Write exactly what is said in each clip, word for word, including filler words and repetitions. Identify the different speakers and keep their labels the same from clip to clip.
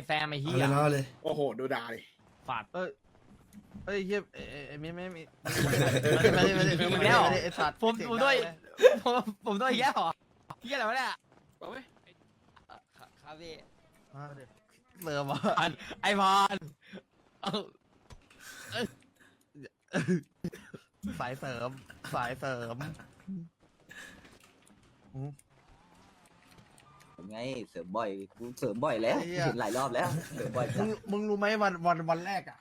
Speaker 1: แซมไอ้เหี้
Speaker 2: เอา
Speaker 1: ย
Speaker 2: เลยนะเลย
Speaker 3: โอ้โหดูด่าดิ
Speaker 1: ฝาด
Speaker 4: เอ้ยเอ้ยเฮียเอ้ยเอ้ยไม่ไม่ไม่ไม่ไม่ไม่ไม่ไม่ไม่ไอ้สัตว์
Speaker 1: ผมผมด้วยผมผมด้วยแย่หรอเหี้ยอะไรวะเนี่ย
Speaker 5: ครับพี่
Speaker 4: เติมวะ
Speaker 1: พรไอพรเอา
Speaker 4: สายเสริมสายเสริม
Speaker 5: ไงเสริมบ่อยกูเสริมบ่อยแล้วเห็นหลายรอบแล้วเสริมบ่อย
Speaker 4: มึงมึงรู้ไหมวันวันวันแรกอ่ะ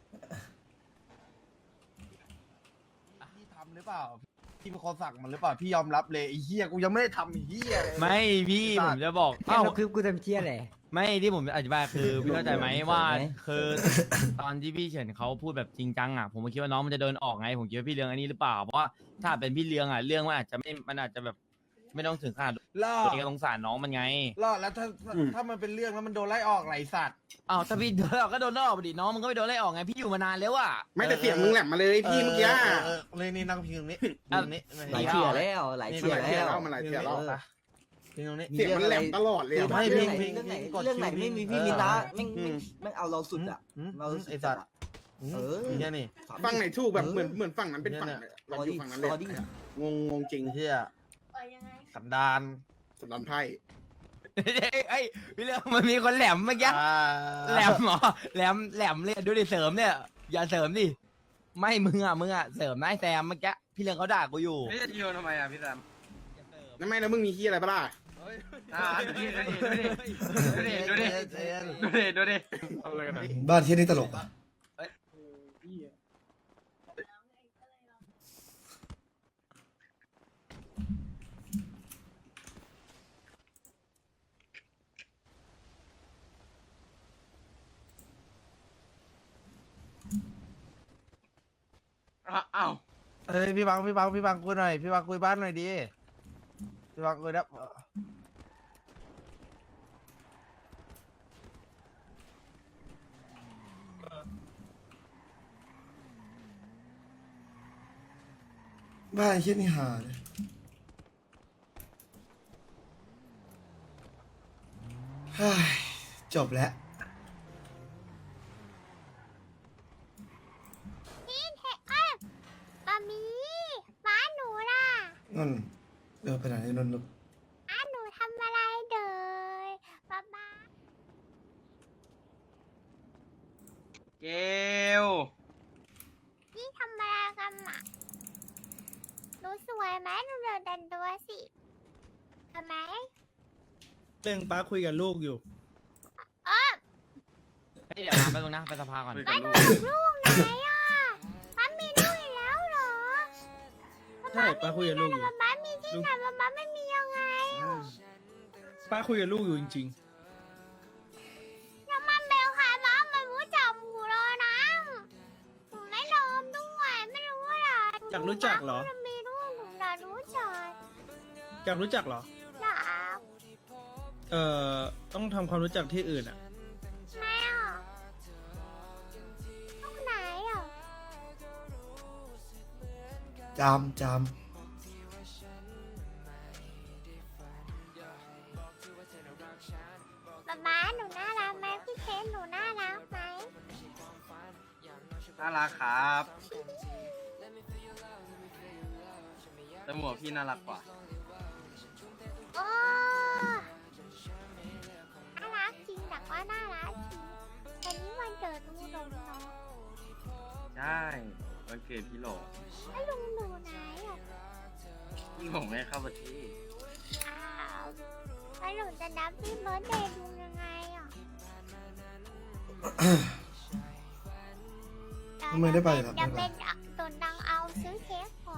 Speaker 4: พี่ทำหรือเปล่าพี่เป็นคนสั่งมันหรือเปล่าพี่ยอมรับเลยไอ้เหี้ยกูยังไม่ได้ทำไอ้เหี้ยเลย
Speaker 1: ไม่พี่ผมจะบอก
Speaker 5: เอ้า
Speaker 1: เอ้า
Speaker 5: คือกูทำเชี่ยอะไร
Speaker 1: ไม่ที่ผมอธิบายคือพี่เข้าใจไหมว่าคือตอนที่พี่เฉินเขาพูดแบบจริงจังอ่ะผมก็คิดว่าน้องมันจะเดินออกไงผมคิดว่าพี่เลี้ยงอันนี้หรือเปล่าเพราะว่าถ้าเป็นพี่เลี้ยงอ่ะเรื่องมันอาจจะไม่มันอาจจะแบบไม่ต้องถึงขนาด
Speaker 4: ล่อ
Speaker 1: เองก็สงสารน้องมันไง
Speaker 4: ล่อแล้วถ้าถ้ามันเป็นเรื่องแล้วมันโดนไล่ออกไหลสัตว์
Speaker 1: อ้าวถ้าพี่โดนไล่ออกก็โดนไล่ออกไปดิน้องมันก็ไม่โดนไล่ออกไงพี่อยู่มานานแล้วอ่ะ
Speaker 3: ไม่แต่เสียงมึงแหลมมาเลยพี่เมื่อกี้
Speaker 4: เออเลยนี่นั่งพิงตรงนี้ตรงนี้
Speaker 5: หลายเที่ยแล้วหลายเที่ย
Speaker 3: เที่ย
Speaker 5: แล้ว
Speaker 3: แล้วมันหลายเที่ยแล้ว
Speaker 4: พิงตรงนี้
Speaker 3: เสียงมันแหลมตลอดเลยอะ
Speaker 4: ไม่
Speaker 5: เรื่อง
Speaker 4: พิง
Speaker 5: ไหน
Speaker 4: พิง
Speaker 5: เรื่องไหน
Speaker 4: พิงกด
Speaker 5: เรื่องไหนไม่มี
Speaker 4: คิว
Speaker 5: พี่
Speaker 4: พิง
Speaker 5: มีตา
Speaker 4: เออ
Speaker 5: แม่ง
Speaker 4: อืม
Speaker 5: แม่งเอาเราสุดอ่ะ
Speaker 4: อืม
Speaker 5: เราสุด
Speaker 4: ไอ้สัตว์
Speaker 5: เออ
Speaker 4: เนี่ยนี่
Speaker 3: ฝั่งไหนถูกแบบเหมือนเหมือนฝั่งนั้นเป็นฝั่ง
Speaker 4: เนี่ย
Speaker 3: เราอยู่ฝั่งนั้นเลย
Speaker 5: รอดิ
Speaker 3: งงงงจริง
Speaker 4: ไอ้เหี้ยสันดาน
Speaker 3: สุดลำไพ่
Speaker 1: ไอ้ยพี่เลี้ยงมันมีคนแหลมเมื่อกี้
Speaker 4: อ่า
Speaker 1: แหลมเหรอแหลมแหลมเลยดูดิเสริมเนี่ยอย่าเสริมดิไม่มึงอ่ะมึงอ่ะเสริมนายแซมเมื่อกี้พี่เลี้ยงเขาด่ากูอยู่
Speaker 6: พี่จะโยนทำไมอ่ะพี่แซม
Speaker 3: นั่นไม่แล้วมึงมีขี้อะไรปะล่ะ
Speaker 6: อ่าดูดิดูดิดูดิดูดิดูดิดูดิเอาเลยกันนะ
Speaker 2: บ้านที่นี่ตลกอ่ะ
Speaker 6: อ้าว
Speaker 4: เฮ้ยพี่บังพี่บังพี่บังคุยหน่อยพี่บังคุยบ้านหน่อยดิพี่บังคุยนะ
Speaker 2: บ้านที่นี่หาเลยเฮ้ยจบแล้ว
Speaker 7: พี่เทเอ้ยบะหมี่บ้านหนูล่ะ
Speaker 2: นั่นเออไปไหนนนท์ลูก
Speaker 7: บ้านหนูทำอะไรเด้อป๊าป๊า
Speaker 6: เกล
Speaker 7: พี่ทำอะไรกันอ่ะหนูสวยไหมหนูเดินดันตัวสิทำไม
Speaker 8: เรื่องป้าคุยกับลูกอยู่
Speaker 7: เออ
Speaker 1: เฮ้ยเดี๋ยวมาไปตรงนะไปสภาก่อน
Speaker 7: บ้านหนูมีลูกไหนอ่ะป๊ามีลูกอีกแล้วเหรอ
Speaker 8: ใช่ป้าคุยกับลูกอยู่
Speaker 7: ป๊าป๊ามีที่ไหนป๊าป๊าไม่มียังไงอ่ะ
Speaker 8: ป้าคุยกับลูกอยู่จริง
Speaker 7: แล้วมันเป็นใครบ้างมันรู้จักหนูเลยนะหนูไม่ยอมด้วยไม่รู้อ่ะ
Speaker 8: ๆ อยากรู้จักเหรอ
Speaker 7: มันมีลูกหนูน่ะรู้จัก
Speaker 8: อยากรู้จักเหรอ
Speaker 7: อยาก
Speaker 8: เอ่อ ต้องทำความรู้จักที่อื่นอ่ะ
Speaker 7: ไม่อ่ะลูกไหนอ่ะ
Speaker 2: จามจาม
Speaker 7: ป๊าป๊าหนูน่ารักไหมพี่เคนหนูน่ารักไหม
Speaker 6: น่ารักครับแต่หมวกพี่น่ารักกว่า
Speaker 7: โอ้น่ารักจริงแต่ก็น่ารักจริงวันนี้วันเกิดลุงหลงเนาะ
Speaker 6: ใช่วันเกิดพี่หลง
Speaker 7: แล้วลุงหนูไหนอ่ะ
Speaker 6: พี่หลงไม่เข้าประเทศ
Speaker 7: อ้าวแล้วหนูจะนับพี่เบิร์ดเดย์ลุงยังไงอ่ะ
Speaker 2: ทำไมได้ไปล่ะ
Speaker 7: จะ
Speaker 2: ไม่ไป
Speaker 7: เป็นตัวดังเอาซื้อเค้กก่อน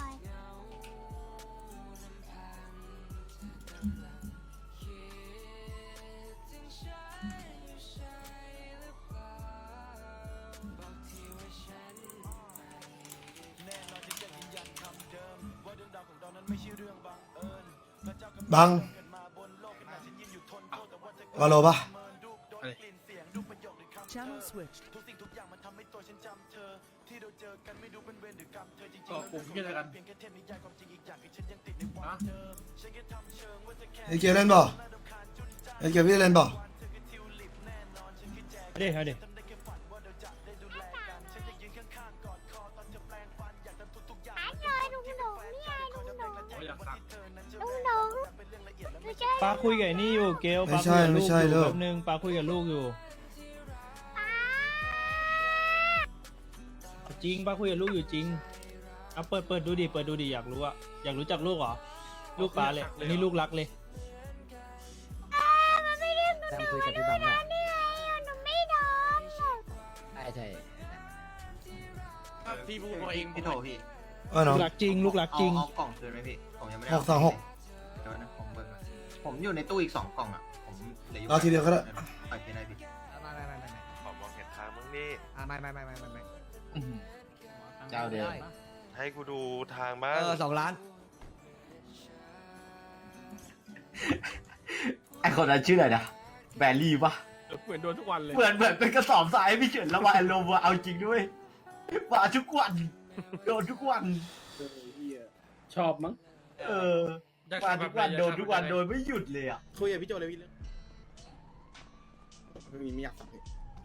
Speaker 2: บังวาโลปะ
Speaker 8: Channel switched ก็ปุ่มที่อะไรกัน
Speaker 2: ไอเกียร์เล่นบ่ไอเกียร์พี่เล่นบ่
Speaker 8: เดี๋ยวเดี๋ยว
Speaker 7: หาเลยลุงหลงนี่ไงลุงหลง
Speaker 6: อยากสัก
Speaker 7: ลุงหลงดูเจ้
Speaker 8: ป้าคุยกับไอ้นี่อยู่เกล
Speaker 2: ไม่
Speaker 8: ป้าคุ
Speaker 2: ใช่
Speaker 8: ยกับลู
Speaker 2: ไม่
Speaker 8: ก
Speaker 2: ใช่
Speaker 8: อยู่
Speaker 2: เลิก
Speaker 8: แป๊บนึงป้าคุยกับลูกอยู่ จริงป้าคุยกับลูกอยู่จริงเอาเปิดเปิดดูดิเปิดดูดิอยากรู้อะอยากรู้จักลูกเหรอลูกป้าเลยอันนี้ลูกรักเลย
Speaker 7: มันไม่เรียกหนูหนูมาด้วยนะนี่ไงหนูไม่โดน
Speaker 5: ใช่ใช่
Speaker 6: พี่พูดมาเองพี่โถพี่
Speaker 2: ว่าน้
Speaker 8: ลู
Speaker 2: อง
Speaker 8: กรักจริงลูกรักจริง
Speaker 6: เอากล่องคืนไหมพี่ผมยังไม่ได้
Speaker 2: หกสองหก
Speaker 6: เดี๋ยวนะผมเบิ่งผมอยู่ในตู้อีกสองกล่องอ่ะผมเหลืออยู่
Speaker 2: เอาทีเดียวก็ได้
Speaker 6: ไปที่ไหนพี่
Speaker 9: ไม่ไม่ไม่ไม่ไม่
Speaker 10: ขอมองเห็นทางมึงนี่
Speaker 9: อ่าไม่ไม่ไม่ไม่ไม่ไม่
Speaker 5: เจ้าเดิม
Speaker 10: ให้กูดูทางบ้า
Speaker 9: เอง อสองล้าน
Speaker 5: ไอคนนั้นชื่ออะไรนะแบลลี่ปะ
Speaker 8: เหมือนโดนทุกวันเลย
Speaker 5: เหมือนเหมือนเป็นกระสอบทรายพี่เฉินระบายอารมณ์ว่ะเอาจริงด้วยว่าทุกวันโดนทุกวัน
Speaker 8: ชอบมั้ง
Speaker 5: เออมาทุกวันโดนทุกวันโดนไม่หยุดเลยอ่ะ
Speaker 3: คุยกับพี่โจเลยพี่เรื่องไม่มีไม่อยากสักเลย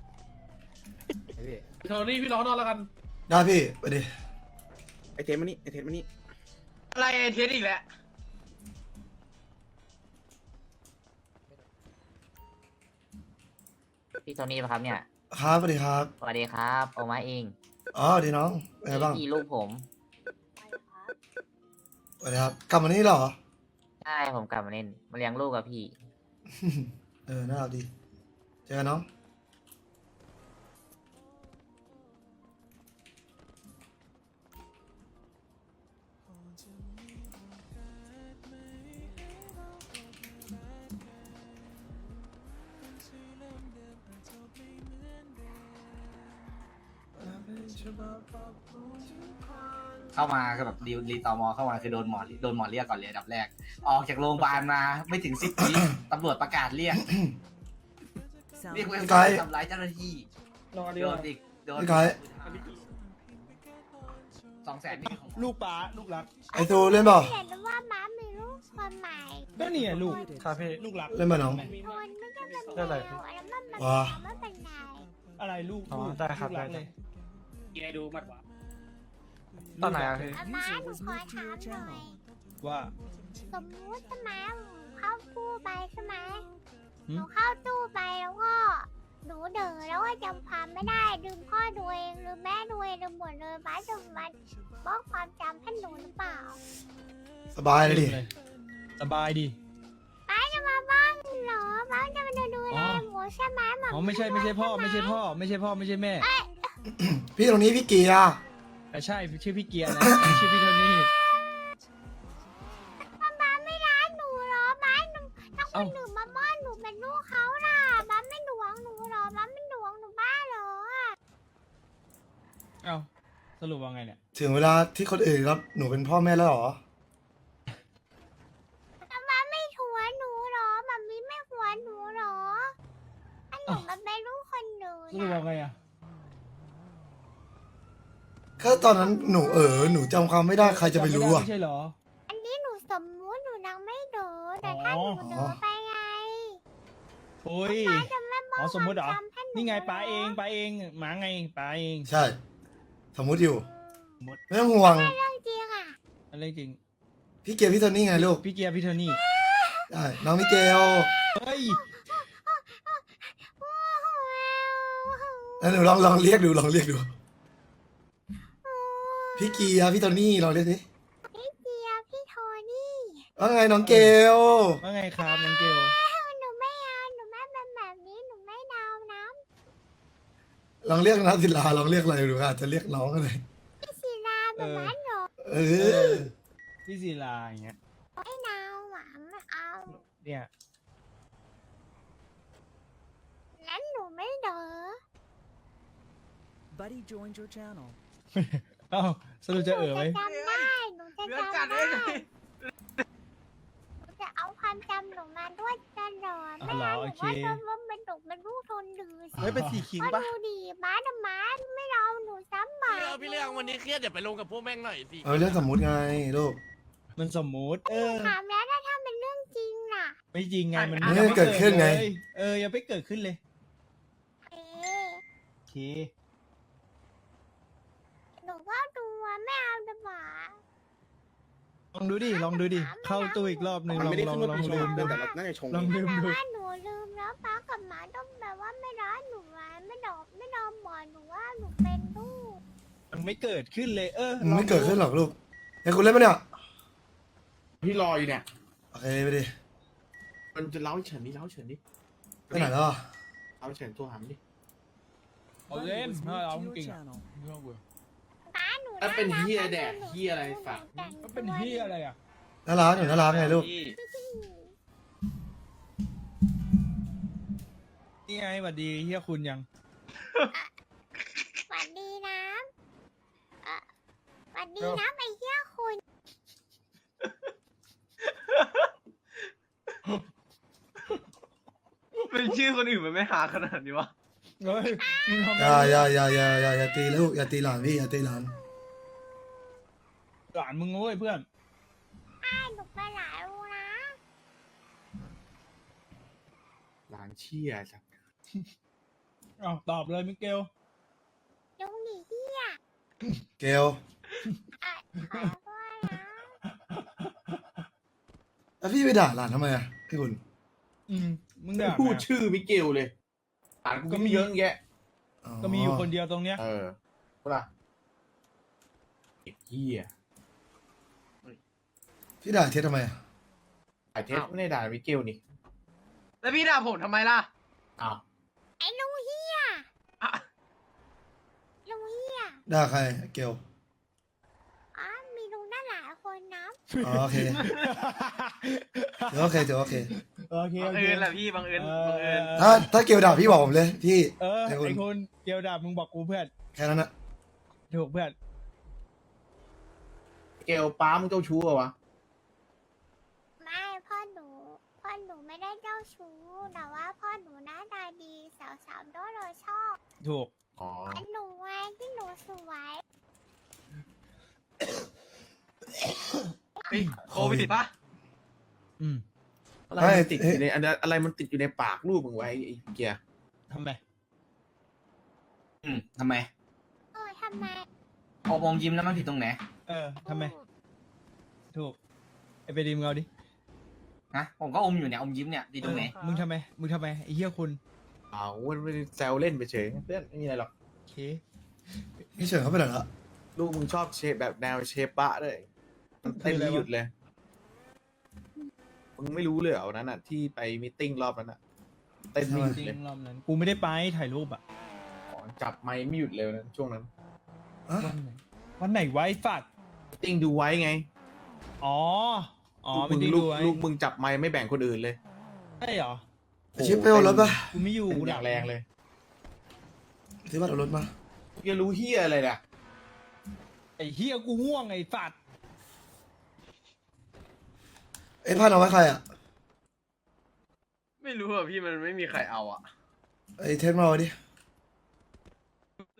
Speaker 6: โทนี่พี่ร้องนอนแล้วกัน
Speaker 2: ได้พี่ไปดิ
Speaker 3: ไอเทมมานี่ไอเทมมานี่
Speaker 6: อะไรเทสอีกแล้ว
Speaker 5: พี่โทนี่ปะครับเนี่ย
Speaker 2: ครับสวัสดีครับ
Speaker 5: สวัสดีครับโอมาเอง
Speaker 2: อ๋อดีน้องเป็นไงบ้าง
Speaker 5: พี่ลูกผม
Speaker 2: สวัสดีครับกลับมานี่เหรอ
Speaker 5: ใช่ผมกลับมาเล่นมาเลี้ยงลูกกับพี่
Speaker 2: เออน่ารักดีเจอกันน้อง
Speaker 5: เข้ามาคือแบบรีรีตอมอเข้ามาคือโดนหมอโดนหมอเรียกก่อนเลยอันดับแรก ออกจากโรงพยาบาลมาไม่ถึงสิบวิ ตำรวจประกาศเรียก เรียกเวรทำร้ายเจ้าหน้าที่
Speaker 8: รอ
Speaker 5: โด
Speaker 8: ดีกว่าน
Speaker 5: อีกโดน
Speaker 2: พี่ไก่
Speaker 5: สองแสนนี่ของ
Speaker 8: ลูกป้าลูกรัก
Speaker 2: ไอตูเล่นเปล่า
Speaker 7: เห็นว่าม้ามีลูกคนใหม่
Speaker 8: ก็นี่ไงลูกคาเฟ่ลูกรัก
Speaker 2: เล่นมาน้อง
Speaker 7: คนไม่ใช่เป็นแมวแล้วมันมัน
Speaker 2: ว้า
Speaker 7: มันเป็นไง
Speaker 8: อะไรลูก
Speaker 9: อ๋อ
Speaker 8: ลูก
Speaker 9: ได้ครับ
Speaker 8: ลูกรัก
Speaker 9: ได้
Speaker 8: เลยยายดูมัดวะ
Speaker 9: ตอนไหนอะพี่
Speaker 7: อาม้าหนูขอถามหน่อย
Speaker 8: ว่า
Speaker 7: สมมุติใช่ไหมหนูเข้าตู้ไปใช่ไหม
Speaker 8: หืม
Speaker 7: หนูเข้าตู้ไปแล้วก็หนูเด๋อแล้วก็จำความไม่ได้ลืมพ่อดูเองลืมแม่ดูเองลืมหมดเลยป้าจะมาบล็อกความจำให้หนูหรือเปล่า
Speaker 2: สบายเลยดิ
Speaker 8: สบายดี
Speaker 7: ป้าจะมาบ้างเหรอป้าจะมาดูดู
Speaker 8: อ๋
Speaker 7: แล
Speaker 8: อ
Speaker 7: หมูใช่ไหมห
Speaker 8: อ๋อไม่ใช่ไม่ใช่พ่อไม่ใช่พ่อไม่ใช่พ่อไม่ใช่แม่
Speaker 2: พี่ตรงนี้พี่เกียร์
Speaker 8: แต่ใช่ชื่อพี่เกียร์นะไม่ชื่อพี่โทนี่
Speaker 7: ป้าไม่รักหนูเหรอป้าหนูถ้าค
Speaker 8: เอ้า
Speaker 7: นหนึ่งมาบ้านหนูเป็นลูกเขาล่ะป้าไม่หวงหนูเหรอป้าไม่หวงหนูบ้าเหรอ
Speaker 8: เอ้าสรุปว่าไงเนี่ย
Speaker 2: ถึงเวลาที่คนอื่นรับหนูเป็นพ่อแม่แล้วเหรอ
Speaker 7: ป้าไม่หัวหนูเหรอป้ามีไม่หัวหนูเหรออันหนูมันเป็นลูกคนหนึ่ง
Speaker 8: สรุปว่าไงอ่ะ
Speaker 2: ก็ตอนนั้นหนูเออหนูจำความไม่ได้ใครจะไปรู้อ่ะ
Speaker 8: ไม่ใช่เหรอ
Speaker 7: อันนี้หนูสมมุติหนูยังไม่เด๋อแต่ถ้าหนูเด๋อไปไง
Speaker 8: โอ้ย
Speaker 7: ป้าจะไม่บล็อก
Speaker 8: อ๋อสมมุติเหรอ
Speaker 7: ความจำให้ห
Speaker 8: นี่ไงป้า
Speaker 7: หร
Speaker 8: เองป้าเองหมาไงป้าเอง
Speaker 2: ใช่ สมมุติอยู่
Speaker 8: สมมุติ
Speaker 2: ไม่ต้องห่วง
Speaker 7: เรื่องจริงอ่ะ
Speaker 8: อะไรจริง
Speaker 2: พี่เกียร์พี่โทนี่ไงลูก
Speaker 8: พี่เกียร์พี่โทนี่
Speaker 2: ได้น้องมิเกล
Speaker 8: เฮ้ย
Speaker 2: แล้วหนูลองลองเรียกดูลองเรียกดู พี่เกียร์พี่โทนี่ลองเรียกดิ
Speaker 7: พี่เจียบพี่โทนี่
Speaker 2: ว่าไงน้องเกล
Speaker 8: ว่าไงครับน้องเกล
Speaker 7: หนูไม่เอาหนูไม่เป็นแบบนี้หนูไม่เดานะ
Speaker 2: ลองเรียกนะศิลาลองเรียกอะไรดูอาจจะเรียกน้องอะไร
Speaker 7: พี่ศิลาแบบนั้นเหรอ
Speaker 2: เอ
Speaker 8: เอ
Speaker 2: อ
Speaker 8: อพี่ศิลาอย่างเงี้ย
Speaker 7: ไม่เดาหวังไม่เอา
Speaker 8: เนี่ย
Speaker 7: นั้นหนูไม่เด๋อ
Speaker 9: Buddy joined your channel
Speaker 8: เอ้าสรุปจะเออไหม
Speaker 7: จำได้หนูจะ
Speaker 6: เรื่อง
Speaker 7: จำ
Speaker 6: จัด
Speaker 7: ได้
Speaker 6: เลย
Speaker 7: หนูจะเอาความจำหนูมาด้วยตลอด
Speaker 8: อ๋อ
Speaker 7: ไม่
Speaker 8: เหรอ
Speaker 7: เอาห
Speaker 8: โอ
Speaker 7: นู
Speaker 8: เค
Speaker 7: ว่าจะว่าเป็นหนูเป็นลูกทนดื้อสิ
Speaker 4: เฮ้ยเป็นสีคิง
Speaker 7: ก็
Speaker 4: ปะ
Speaker 7: ดูดีม้าดม้าไม่เอาหนูซ้ำหมา
Speaker 6: พี่เรื่องวันนี้เครียดเดี๋ยวไปลงกับพวกแม่งหน่อยสิ
Speaker 2: เออเรื่องสมมุติไงลูก
Speaker 8: มันสมมุติ เออ
Speaker 7: ถามแล้วถ้าถ้าเป็นเรื่องจริงน่ะ
Speaker 8: ไม่จริงไงมัน
Speaker 2: ไม่ได้เกิดขึ้นไง
Speaker 8: เลยเออยังไม่เกิดขึ้นเลย
Speaker 7: เอ๊ะ
Speaker 8: เค
Speaker 7: หนูก็ดูว่าไม่เอาดีกว่า
Speaker 8: ลองดูดิลองดูดิเข้าตู้อีกรอบหนึ่ง
Speaker 3: มัน
Speaker 8: ลอง
Speaker 3: ไม่ได้
Speaker 8: ลอง
Speaker 3: ขึ้น
Speaker 8: ล
Speaker 3: ว่า
Speaker 8: อง
Speaker 3: ปีช
Speaker 8: ลื
Speaker 3: ง
Speaker 8: มดู
Speaker 3: แต่เราน่าจะชง
Speaker 8: ลอง
Speaker 3: เอง
Speaker 8: ลืม
Speaker 7: แต่
Speaker 8: ดู
Speaker 7: ว่าหนูลืมแล้วป้ากับหมาต้องแบบว่าไม่ร้อนหนูไว้ไม่ดอกไม่ดอมบอกหนูว่าหนูเป็นลูก
Speaker 8: มันไม่เกิดขึ้นเลย เออ
Speaker 2: มันไม่เกิดขึ้นหรอกลูกไอ้คุณเล่นปะเนี่ย
Speaker 3: พี่รออยู่เนี่ย
Speaker 2: โอเคไปดิ
Speaker 3: มันจะเล้าเฉินดิเล้าเฉินดิ
Speaker 2: ไปไหนแล้วอะ
Speaker 3: เล้าเฉินตัวหามดิ
Speaker 8: เอาเล่น
Speaker 9: User
Speaker 8: ถ้า
Speaker 9: was
Speaker 8: เรา
Speaker 9: moved to
Speaker 8: จริง
Speaker 9: your
Speaker 8: อ่ะ
Speaker 9: channel.
Speaker 8: ไม่ต้องเบื่อ
Speaker 7: ป้าหนู
Speaker 3: แล้วเป็น
Speaker 7: รัก
Speaker 3: เฮีย
Speaker 7: นะ
Speaker 3: แดก
Speaker 7: หนู
Speaker 3: เฮียอะไรฝาก
Speaker 7: แต่ง
Speaker 8: ก็เป็นเฮียอะไรอ่ะ
Speaker 2: น่ารักอยู่น่ารักไงลูก
Speaker 8: นี่ไงสวัสดีเฮียคุณยัง
Speaker 7: สวัสดีนะเอ่อสวัสดีนะไอ้เหี้ยคุณ
Speaker 6: เป็นชื่อคนอื่นมันไม่หาขนาดนี้วะ
Speaker 8: เฮ้ยมึงทำ
Speaker 2: อย่าอย่าอย่าอย่าอย่าอย่าตีลูกอย่าตีหลานพี่อย่าตีหลาน
Speaker 8: หลานมึงเว้ยเพื่อน
Speaker 7: ไอ้หนูไปหลายรูนะ
Speaker 3: หลานเชี่ยจ้ะ
Speaker 8: อ้าวตอบเลยมิเกล
Speaker 7: ลุงดีเหี้ย
Speaker 2: เกล
Speaker 7: อ่ะขอโทษนะ
Speaker 2: แล้วพี่ไปด่าหลานทำไมอะพี่คุณ
Speaker 8: อืมมึง
Speaker 3: ไม่
Speaker 8: ด่า
Speaker 3: พูด
Speaker 8: แม่
Speaker 3: ชื่อมิเกลเลยหลานกูก็มีเยอะแยะ
Speaker 8: ก็มีอยู่คนเดียวตรงเนี้ย
Speaker 3: เออเปล่าไอ้เฮีย
Speaker 2: พี่ด่าเท็ดทำไมอะ
Speaker 3: ไอ้เทสไม่ได้ด่ามิเกลนี่
Speaker 6: แล้วพี่ด่าผมทำไมล่ะ
Speaker 3: อ้าว
Speaker 7: ไอ้ลุงเหี้ย
Speaker 6: อ่ะ
Speaker 7: ลุงเหี้ย
Speaker 2: ด่าใครเกล
Speaker 7: อ๋อมีลุงได้หลายคนนะ
Speaker 2: อ๋อโอเคเดี๋ยวโอเคเดี๋ยวโอเค
Speaker 8: โอเค
Speaker 6: บั
Speaker 8: โอง เค
Speaker 6: เอิญแหละพี่บังเอิญบังเอิญ
Speaker 2: ถ้าถ้าเกลด่าพี่บอกผมเลยพี่
Speaker 8: เออ
Speaker 2: ไอ้คุณ
Speaker 8: ไอ้คุณเกียวด่ามึงบอกกูเพื่อน
Speaker 2: แค่นั้นนะ
Speaker 8: ถูกเพื่อน
Speaker 3: เกลป้ามึงเจ้าชู้เหรอวะ
Speaker 7: ไม่พ่อหนูพ่อหนูไม่ได้เจ้าชู้แต่ว่าพ่อหนูหน้าตาดีสาวๆโดนเราชอบ
Speaker 8: ถูก
Speaker 3: อ๋อ
Speaker 7: อันหนูไว้ที่หนูสวย
Speaker 6: เฮ้ยโควิดติดปะ
Speaker 8: อืม
Speaker 3: อะไรมันติดอยู่ในอันนั้นอะไรมันติดอยู่ในปากลูกมึงไว้ไอ้เกียร์
Speaker 8: ทำไม
Speaker 5: อืมทำไม
Speaker 7: เออทำไม
Speaker 5: พอมองยิ้มแล้วมันผิดตรงไหน
Speaker 8: เออทำไม ถูก ไอ้ไปดีมงเอาดิ
Speaker 5: ฮะผมก็อมอยู่เนี่ยอมยิ้มเนี่ยดีตรงไหน
Speaker 8: เออมึงทำไม มึงทำไม ไอ้เหี้ยคุณ
Speaker 3: อ้าวมันไม่ได้แซวเล่นไปเฉยเพื่อนไม่มีอะไรหรอก
Speaker 8: โอเค
Speaker 2: พี่เฉินเขาไปไหนละ
Speaker 3: ลูกมึงชอบเชฟแบบแนวเชฟบะด้วยมันเต้นไม่หยุดเลย มึงไม่รู้เลยเหรอวันนั้นอ่ะที่ไปมีตติ้งรอบนั้นอ่ะเต้นไม่หยุด
Speaker 8: จริง
Speaker 3: เลย
Speaker 8: รอบนั้น กูไม่ได้ไปถ่ายรูปอะ
Speaker 3: อ๋อจับไม้ไม่หยุดเลยนะช่วงนั้น
Speaker 2: อะ
Speaker 8: วันไหนวันไหนไว้ฝัด
Speaker 3: ติ้งดูไว้ไง
Speaker 8: อ๋อ อ๋อ
Speaker 3: ลูก
Speaker 8: ไม่
Speaker 3: มึง
Speaker 8: ได้
Speaker 3: ลู
Speaker 8: ดู
Speaker 3: ก
Speaker 8: ไว้
Speaker 3: ลูกมึงจับไม้ไม่แบ่งคนอื่นเลย
Speaker 8: ใช่เหรอ
Speaker 2: ชิปไปเอารถปะ
Speaker 8: กูไม่อยู่
Speaker 3: เต้น
Speaker 8: กู
Speaker 3: อ
Speaker 8: ดั
Speaker 3: ย่าก งแรงเลย
Speaker 2: ที่บ้านเอารถมา
Speaker 3: จะรู้เฮียอะไรเนี่ย
Speaker 8: ไอ้เหี้ยกูง่วงไอ้ฝัด
Speaker 2: เอ้ยพันเอาไว้ใครอะ
Speaker 6: ไม่รู้อ่ะพี่มันไม่มีใครเอาอ่ะ
Speaker 2: ไอ้เท็ดมาเอาไว้ดิ